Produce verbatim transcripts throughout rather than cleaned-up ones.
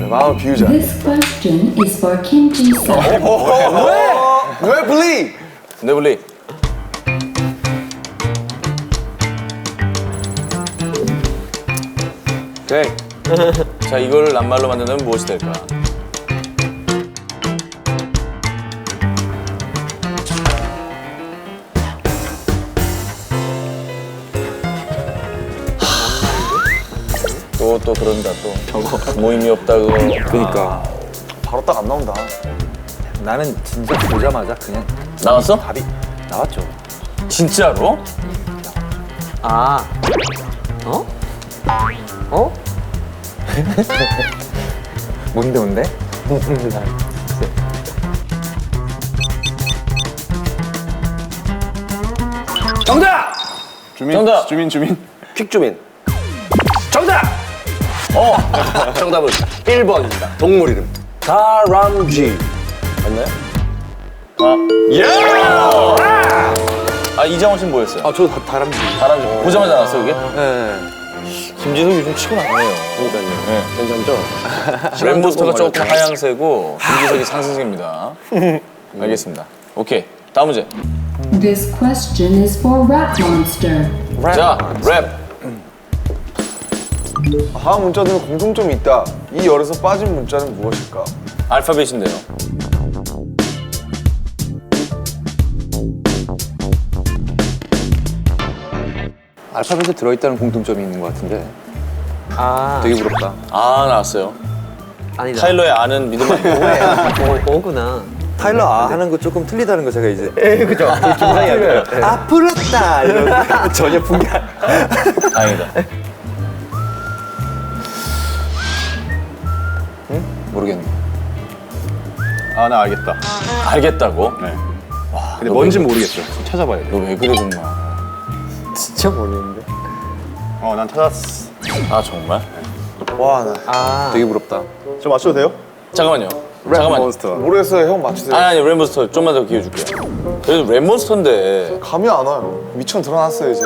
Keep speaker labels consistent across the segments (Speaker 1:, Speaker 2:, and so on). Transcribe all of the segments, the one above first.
Speaker 1: 마음을 비우자.
Speaker 2: This question is for Kim Ji-sung.
Speaker 1: 왜? 왜 블리?
Speaker 3: 네, 블리.
Speaker 1: 오케이.
Speaker 3: 자, 이걸 낱말로 만든다면 무엇이 될까? 또, 또 그런다, 또. 저거. 모임이 없다고.
Speaker 1: 그니까. 바로 딱 안 나온다. 나는 진짜 보자마자 그냥
Speaker 3: 나왔어?
Speaker 1: 답이 나왔죠.
Speaker 3: 진짜로?
Speaker 4: 아, 어? 어?
Speaker 1: 뭔데 뭔데?
Speaker 3: 정답!
Speaker 1: 주민.
Speaker 3: 정답!
Speaker 1: 주민 주민.
Speaker 4: 퀵주민.
Speaker 3: 정답!
Speaker 4: 어, 정답은 일 번입니다. 동물 이름. 다람쥐. 맞나요?
Speaker 3: 아, 예! 아, 이장원 씨는 뭐였어요?
Speaker 1: 아, 저 다, 다람쥐.
Speaker 3: 다람쥐. 보자마자 나왔어, 이게?
Speaker 1: 네.
Speaker 3: 김지석 요즘 치고 나가네요.
Speaker 4: 그러니까요.
Speaker 3: 네.
Speaker 4: 괜찮죠?
Speaker 3: 램보스터가 조금 하향세고 김지석이 상승세입니다. 알겠습니다. 오케이. 다음 문제.
Speaker 2: This question is for Rat Monster.
Speaker 3: 자, 랩.
Speaker 1: 다음 문자들은 공통점이 있다. 이 열에서 빠진 문자는 무엇일까?
Speaker 3: 알파벳인데요.
Speaker 1: 알파벳에 들어있다는 공통점이 있는 것 같은데
Speaker 4: 아,
Speaker 1: 되게 부럽다.
Speaker 3: 아, 나왔어요.
Speaker 4: 아니다.
Speaker 3: 타일러의 아는 믿음 아니고.
Speaker 4: 어, 어구나.
Speaker 1: 타일러 아 하는 거 조금 틀리다는 거 제가 이제
Speaker 4: 에, 그죠? 중상이 아니에요.
Speaker 1: 아 부럽다 이런 전혀 분개
Speaker 3: 다행이다.
Speaker 1: 모르겠네.
Speaker 5: 아, 나 알겠다.
Speaker 3: 알겠다고?
Speaker 5: 네.
Speaker 3: 와,
Speaker 5: 근데 뭔지 모르겠어. 좀 찾아봐야 돼.
Speaker 3: 너 왜 그래, 정말.
Speaker 4: 진짜 모르겠는데.
Speaker 5: 어, 난 찾았어.
Speaker 3: 아, 정말?
Speaker 1: 와, 나
Speaker 4: 아,
Speaker 1: 되게 부럽다.
Speaker 5: 저 맞춰도 돼요?
Speaker 3: 잠깐만요.
Speaker 5: 랩
Speaker 3: 잠깐만요.
Speaker 5: 몬스터.
Speaker 1: 모르겠어요. 형 맞추세요.
Speaker 3: 아니, 아니, 램몬스터 좀만 더 기회 줄게요. 그래도 램몬스터인데.
Speaker 1: 감이 안 와요. 미천 드러났어요 이제.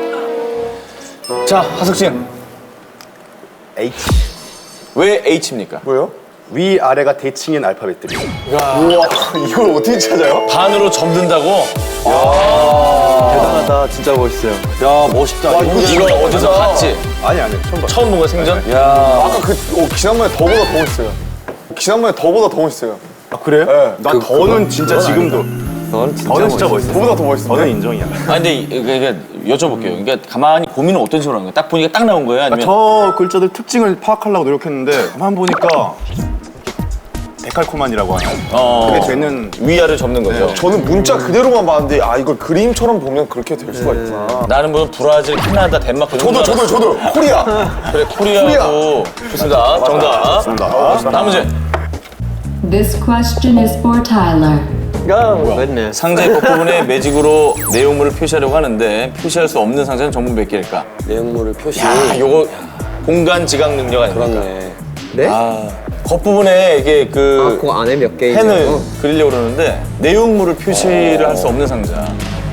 Speaker 3: 자, 하석진.
Speaker 5: H.
Speaker 3: 왜 H입니까?
Speaker 1: 뭐요?
Speaker 5: 위 아래가 대칭인 알파벳들이.
Speaker 1: 우와, 이걸 어떻게 찾아요?
Speaker 3: 반으로 접는다고?
Speaker 1: 대단하다. 진짜 멋있어요.
Speaker 3: 야, 멋있다.
Speaker 1: 와, 이거
Speaker 3: 이거
Speaker 1: 진짜
Speaker 3: 어디서
Speaker 1: 멋있다.
Speaker 3: 봤지?
Speaker 5: 아니 아니 처음 봤어.
Speaker 3: 처음 본 거야, 생전?
Speaker 1: 야, 아까 그 어, 지난번에 더보다 더 멋있어요. 지난번에 더보다 더 멋있어요.
Speaker 5: 아 그래요?
Speaker 1: 네.
Speaker 5: 난 더는 진짜 지금도.
Speaker 1: 넌 진짜
Speaker 5: 더는 진짜 멋있어.
Speaker 1: 더보다 더 멋있어.
Speaker 5: 더는 인정이야.
Speaker 3: 아, 근데 이- 이게 여쭤볼게요. 그러니까 가만히 고민을 어떤 식으로 하는 거야? 딱 보니까 딱 나온 거예요? 아니면?
Speaker 5: 저 글자들 특징을 파악하려고 노력했는데 가만 보니까 데칼코만이라고 하나요?
Speaker 3: 어,
Speaker 5: 근데 쟤는
Speaker 3: 위아래 접는 거죠.
Speaker 1: 저는 문자 그대로만 봤는데 아 이걸 그림처럼 보면 그렇게 될 수가 있구나.
Speaker 3: 나는 무슨 브라질, 캐나다, 덴마크
Speaker 1: 저도 저도 저도 코리아.
Speaker 3: 그래, 코리아고. 좋습니다. 정답.
Speaker 5: 맞습니다.
Speaker 3: 다음 문제.
Speaker 2: This question is for Tyler.
Speaker 4: 아, 맞네.
Speaker 3: 상자의 끝부분에 매직으로 내용물을 표시하려고 하는데 표시할 수 없는 상자는 전부 몇 개일까?
Speaker 4: 내용물을 표시.
Speaker 3: 야, 요거 공간 지각 능력 아닙니까?
Speaker 4: 그렇네. 네?
Speaker 3: 아, 겉부분에 이게
Speaker 4: 아,
Speaker 3: 그
Speaker 4: 그 안에 몇 개
Speaker 3: 펜을
Speaker 4: 있는 거?
Speaker 3: 그리려고 그러는데 내용물을 표시를 할 수 없는 상자.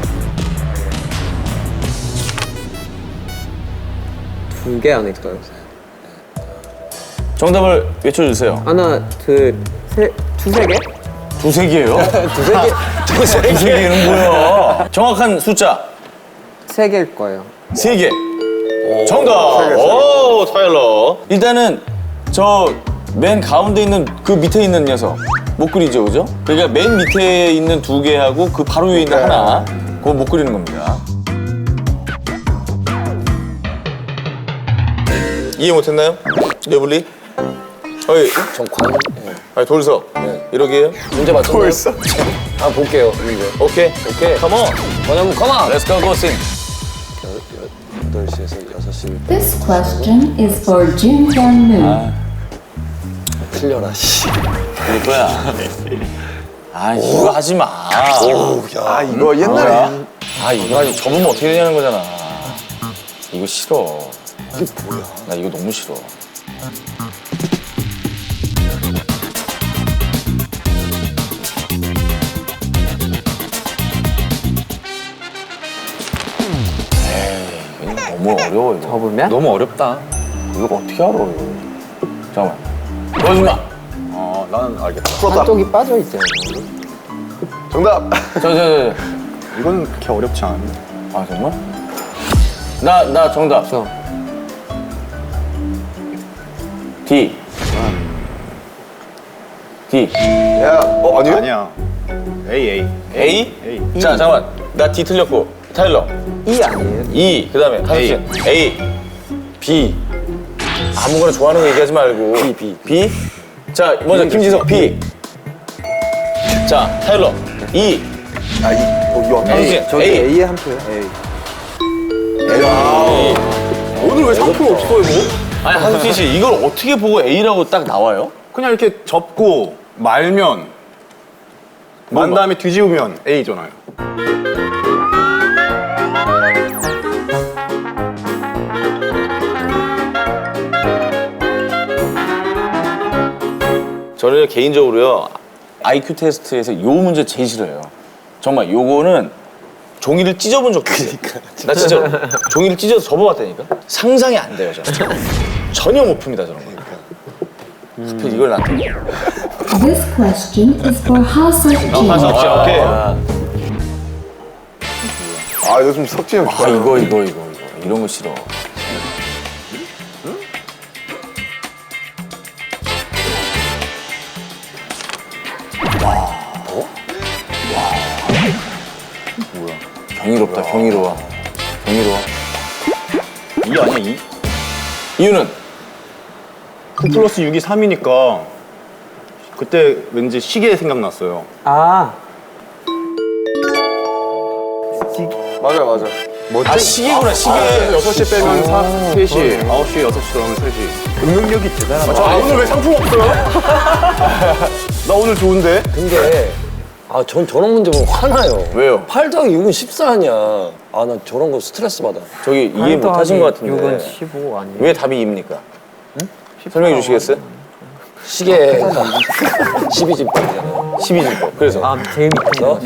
Speaker 4: 두 개 아닐까요?
Speaker 3: 정답을 외쳐주세요.
Speaker 4: 하나, 둘, 셋, 두세 개?
Speaker 3: 두세 개예요?
Speaker 4: 두세 개?
Speaker 3: 두세 개는 뭐야? 정확한 숫자
Speaker 4: 세 개일 거예요.
Speaker 3: 세 개. 정답. 오, 타일러. 일단은 저 맨 가운데 있는 그 밑에 있는 녀석 못 그리죠, 그죠? 그러니까 맨 밑에 있는 두 개하고 그 바로 위에 있는 하나 그거 못 그리는 겁니다. 이해 못했나요? 네블리? 어이,
Speaker 4: 정관.
Speaker 3: 아니 돌석. 이러게요?
Speaker 4: 문제 맞췄나요?
Speaker 1: 벌써?
Speaker 4: 아, 볼게요. 문제.
Speaker 3: 오케이, 오케이. 컴온.
Speaker 4: 뭐냐면, 컴온!
Speaker 3: Let's go, go sing.
Speaker 4: 여덟 시에서 여섯 시.
Speaker 2: This question is for Jin Hyun Moo.
Speaker 4: 틀려라, 씨.
Speaker 3: 이럴 거야. 아, 이거 하지 마.
Speaker 1: 아 이거 옛날에
Speaker 3: 아, 이거 가지고 접으면 어떻게 되냐는 거잖아. 이거 싫어. 이게 뭐야? 나 이거 너무 싫어. 에이, 이거 너무 어려워, 이거.
Speaker 4: 접으면?
Speaker 3: 너무 어렵다. 이거 어떻게 알아, 이거. 잠깐만. 보여주지 마.
Speaker 5: 어, 나는 알겠다.
Speaker 4: 한쪽이 빠져 있잖아.
Speaker 1: 정답.
Speaker 3: 저, 저, 저.
Speaker 5: 이건 그렇게 어렵지 않은데.
Speaker 3: 아, 정말? 나, 나 정답.
Speaker 4: 저.
Speaker 3: D. D.
Speaker 1: 야, 어 아니요?
Speaker 5: 아니야. A, A.
Speaker 3: A?
Speaker 5: A.
Speaker 3: 자, 잠깐만. 나 D 틀렸고. 타일러.
Speaker 4: E 아니에요?
Speaker 3: E. 그 다음에 한수진. A. B. 아무거나 좋아하는 거 얘기하지 말고. B, B. B. 자, 먼저 김지석. B. 자, 타일러. E.
Speaker 1: 아, 이, 어, 이거 안
Speaker 3: 한수진.
Speaker 1: 저기
Speaker 3: A.
Speaker 1: A에 한 표요. A.
Speaker 3: A.
Speaker 1: 오늘 왜 상품 없어요, 뭐?
Speaker 3: 아니, 한수진 씨, 이걸 어떻게 보고 A라고 딱 나와요?
Speaker 5: 그냥 이렇게 접고 말면 만 다음에 뒤집으면 A잖아요.
Speaker 3: 저는 개인적으로요, 아이큐 테스트에서 요 문제 제일 싫어요. 정말 요거는 종이를 찢어본 적도 있어요. 나 진짜 종이를 찢어서 접어봤다니까? 상상이 안 돼요, 저는. 전혀 못 풉니다, 저런 거. 하필 이걸 나한테.
Speaker 2: This question is for Haseok Jin.
Speaker 3: 가서 없죠, 오케이.
Speaker 1: 아, 요즘 석진이 형
Speaker 3: 아,
Speaker 1: 좋아요.
Speaker 3: 이거, 이거, 이거, 이거. 이런 거 싫어. 경이롭다, 경이로워. 경이로워.
Speaker 5: 이 아니야, 이?
Speaker 3: 이유는?
Speaker 5: 구 플러스 육이 삼이니까 그때 왠지 시계 생각났어요.
Speaker 4: 아.
Speaker 1: 맞아, 맞아.
Speaker 3: 아, 시계구나, 시계.
Speaker 5: 여섯 시 빼면 사, 세 시, 아홉 시, 여섯 시 들어가면 세 시.
Speaker 1: 능력이 대단하다.
Speaker 5: 아, 오늘 왜 상품 없어요? 나 오늘 좋은데?
Speaker 4: 근데 아, 전 저런 문제 보면 화나요.
Speaker 3: 왜요?
Speaker 4: 팔 더하기 육은 십사 아니야. 아, 나 저런 거 스트레스 받아.
Speaker 3: 저기 이해 못 하신 것 같은데.
Speaker 6: 육은 십오 아니에요?
Speaker 3: 왜 답이 이입니까? 설명해 주시겠어요?
Speaker 4: 시계가 십이 집이잖아요.
Speaker 3: 십이 진법. 그래서.
Speaker 6: 아, 제일 밑에
Speaker 4: 너?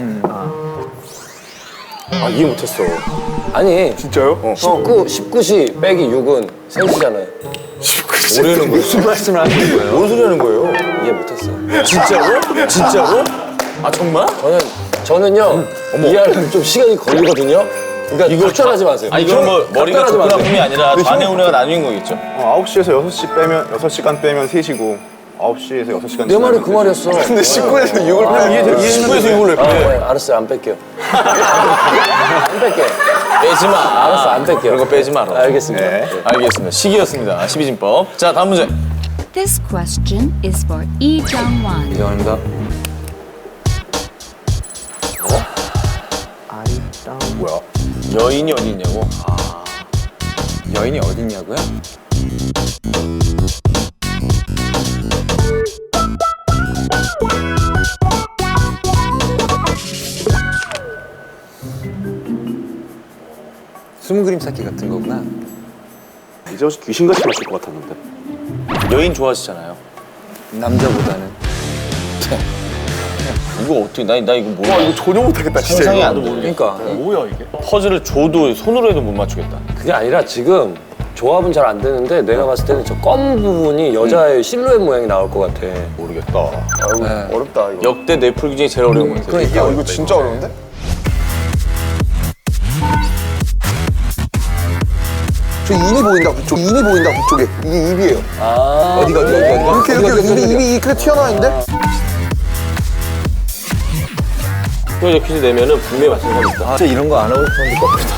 Speaker 3: 아, 이해 못했어.
Speaker 4: 아니,
Speaker 1: 진짜요? 어.
Speaker 4: 십구, 십구 시 빼기 육은 세 시잖아요.
Speaker 3: 모르는 거예요.
Speaker 1: 무슨 말씀을 하시는 거예요?
Speaker 3: 뭔 소리 하는 거예요?
Speaker 4: 이해 못했어.
Speaker 3: 진짜로? 진짜로? 아, 정말?
Speaker 4: 저는, 저는요, 이해하려면 좀 시간이 걸리거든요. 그러니까 이걸 답변하지 마세요.
Speaker 3: 아, 이건 뭐 머리가
Speaker 4: 답변하지
Speaker 3: 좁은
Speaker 4: 마세요.
Speaker 3: 아픔이 아니라 좌뇌 우뇌가 나뉜 거겠죠?
Speaker 5: 어, 아홉 시에서 여섯 시 빼면, 여섯 시간 빼면 세 시고, 아홉 시에서 여섯 시간
Speaker 4: 내 말이 그 말이었어.
Speaker 1: 근데 십구에서 육을 빼면 이해
Speaker 3: 십구에서 육을
Speaker 4: 아,
Speaker 3: 왜 빼?
Speaker 4: 네, 알았어요. 안 뺄게요. 안 뺄게.
Speaker 3: 빼지 마.
Speaker 4: 알았어, 안 뺄게요.
Speaker 3: 그런 거 빼지 마라.
Speaker 4: 알겠습니다.
Speaker 5: 네.
Speaker 3: 알겠습니다. 시기였습니다. 십이 진법. 자, 다음 문제.
Speaker 7: This question is for Lee Jung-won.
Speaker 1: 이정입니다.
Speaker 6: 아리따운
Speaker 1: 뭐야?
Speaker 3: 여인이 어디 있냐고?
Speaker 1: 여인이 어딨냐고요? 숨은 그림 찾기 같은 거구나.
Speaker 5: 이제 혹시 귀신같이 마실 것 같았는데.
Speaker 3: 여인 좋아하시잖아요.
Speaker 1: 남자보다는.
Speaker 3: 이거 어떻게, 나, 나 이거 몰라.
Speaker 1: 와, 이거 전혀 못하겠다, 진짜.
Speaker 3: 상상이
Speaker 1: 이거.
Speaker 3: 안 돼.
Speaker 1: 그러니까.
Speaker 5: 뭐야, 이게?
Speaker 3: 퍼즐을 줘도 손으로 해도 못 맞추겠다.
Speaker 4: 그게 아니라 지금 조합은 잘 안 되는데 내가 봤을 때는 저 검 부분이 여자의 실루엣 모양이 나올 것 같아.
Speaker 5: 모르겠다.
Speaker 1: 아유,
Speaker 3: 네.
Speaker 1: 어렵다, 이거.
Speaker 3: 역대 넷플 중에 제일 어려운 것 같아요.
Speaker 1: 그러니까. 이거 진짜 어려운데? 저 입이 보인다, 그쪽. 입이 보인다, 그쪽에. 이게 입이에요.
Speaker 4: 아.
Speaker 1: 어디가, 어디가, 어디가? 이렇게, 이렇게, 입이, 입이 이렇게 튀어나와 있는데?
Speaker 3: 퀴즈 퀴즈 내면은 분명히 맞출 사람 있다.
Speaker 1: 아, 진짜 이런 거 안 하고 싶었는데 겁니다.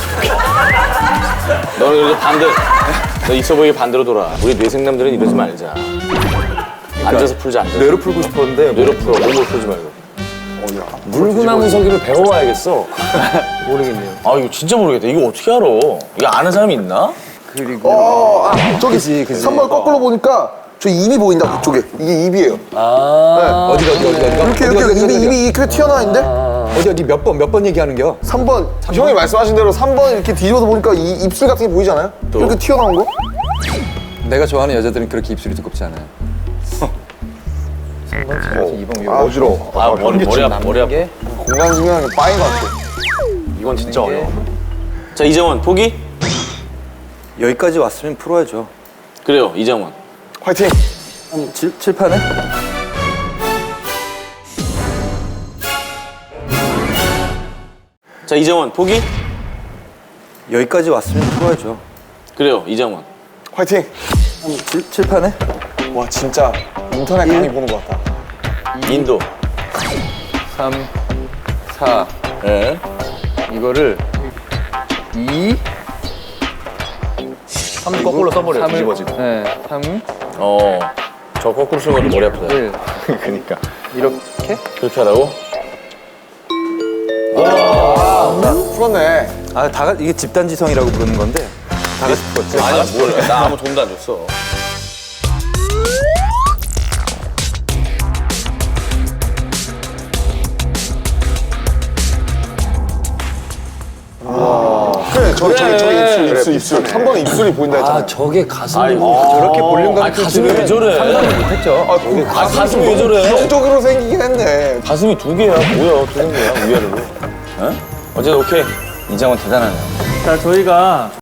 Speaker 3: 너는 그래도 반대, 너 있어 보이게 반대로 돌아. 우리 뇌생남들은 이러지 말자. 앉아서 풀자, 앉아서.
Speaker 1: 뇌로 풀고 싶었는데.
Speaker 3: 뇌로 풀어, 몸으로 풀지 말고.
Speaker 1: 어, 야.
Speaker 4: 물구나무 서기를 배워와야겠어.
Speaker 6: 모르겠네요.
Speaker 3: 아, 이거 진짜 모르겠다. 이거 어떻게 알아? 이거 아는 사람이 있나?
Speaker 6: 그리고
Speaker 1: 어, 아, 저기 삼 번 거꾸로 보니까 저 입이 보인다, 그쪽에. 이게 입이에요.
Speaker 4: 아.
Speaker 1: 어디가, 어디가, 어디가? 이렇게, 이렇게, 입이, 입이 이렇게 튀어나와 있는데?
Speaker 6: 어디 어디 몇 번 몇 번 얘기하는겨?
Speaker 1: 삼 번. 형이 말씀하신 대로 삼 번 이렇게 뒤집어서 보니까 이 입술 같은 게 보이잖아요? 이렇게 튀어나온 거?
Speaker 8: 내가 좋아하는 여자들은 그렇게 입술이 두껍지 않아요.
Speaker 1: 아, 어지러워.
Speaker 3: 아, 머리, 머리 아파, 머리 아파.
Speaker 1: 공간 중요한 게 빠인 것 같아.
Speaker 3: 이건 진짜 어려워. 자, 이정원, 포기?
Speaker 8: 여기까지 왔으면 풀어야죠.
Speaker 3: 그래요, 이정원.
Speaker 1: 화이팅!
Speaker 8: 칠, 칠판에?
Speaker 3: 자, 이정원 포기?
Speaker 8: 여기까지 왔으면 풀어야죠.
Speaker 3: 그래요, 이정원.
Speaker 1: 화이팅!
Speaker 8: 칠, 칠판에?
Speaker 1: 와 진짜 인터넷 강의 보는 것 같다.
Speaker 3: 인도.
Speaker 8: 삼, 사.
Speaker 3: 예.
Speaker 8: 이거를 이,
Speaker 5: 삼 거꾸로 써버려. 뒤집어지고.
Speaker 8: 네, 삼,
Speaker 3: 어. 저 거꾸로 쓰는 것도 머리 아프다.
Speaker 8: 일.
Speaker 5: 그러니까.
Speaker 8: 이렇게?
Speaker 3: 그렇게 하라고?
Speaker 1: 풀었네.
Speaker 8: 아, 다 같- 이게 집단지성이라고 부르는 건데 다 같이 풀었지.
Speaker 3: 아니야, 몰라. 나 아무 돈도 안 줬어.
Speaker 1: 그래 저 저기 저기 입술 입술 입술. 삼 번에 입술이 보인다 했잖아.
Speaker 4: 아 저게 가슴이
Speaker 3: 아이고.
Speaker 8: 저렇게 볼륨감
Speaker 3: 아, 가슴이 왜 저래?
Speaker 8: 못했죠.
Speaker 1: 아, 그
Speaker 3: 아, 가슴이 왜 저래?
Speaker 1: 정적으로 생기긴 했네.
Speaker 3: 가슴이 두 개야. 뭐야, 두 개야, 위아래로. 어? 어쨌든 오케이. 이정원 대단하네요.
Speaker 9: 자, 저희가